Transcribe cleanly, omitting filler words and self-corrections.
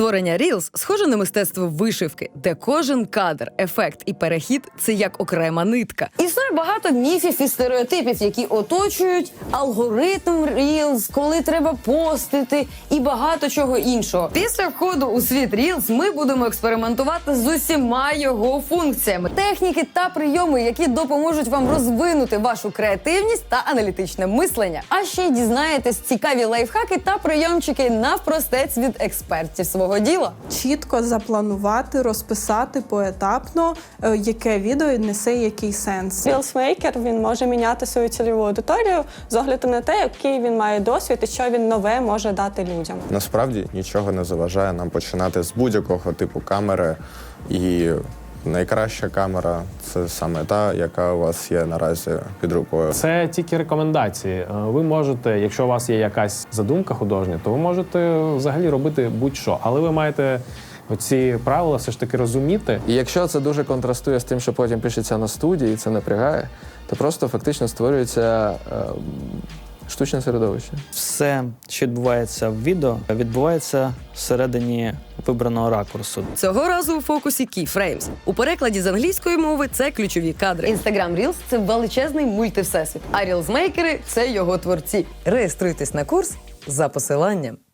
Створення Reels схоже на мистецтво вишивки, де кожен кадр, ефект і перехід – це як окрема нитка. Існує багато міфів і стереотипів, які оточують алгоритм Reels, коли треба постити і багато чого іншого. Після входу у світ Reels ми будемо експериментувати з усіма його функціями, техніки та прийоми, які допоможуть вам розвинути вашу креативність та аналітичне мислення. А ще й дізнаєтесь цікаві лайфхаки та прийомчики навпростець від експертів свого діла. Чітко запланувати, розписати поетапно, яке відео несе який сенс. Reelsmaker, він може міняти свою цільову аудиторію з огляду на те, який він має досвід і що він нове може дати людям. Насправді нічого не заважає нам починати з будь-якого типу камери, і найкраща камера – це саме та, яка у вас є наразі під рукою. Це тільки рекомендації. Ви можете, якщо у вас є якась задумка художня, то ви можете взагалі робити будь-що. Але ви маєте оці правила все ж таки розуміти. І якщо це дуже контрастує з тим, що потім пишеться на студії, і це напрягає, то просто фактично створюється штучне середовище. Все, що відбувається в відео, відбувається всередині вибраного ракурсу. Цього разу у фокусі Keyframes. У перекладі з англійської мови це ключові кадри. Instagram Reels – це величезний мультивсесвіт, а Reelsmakers – це його творці. Реєструйтесь на курс за посиланням.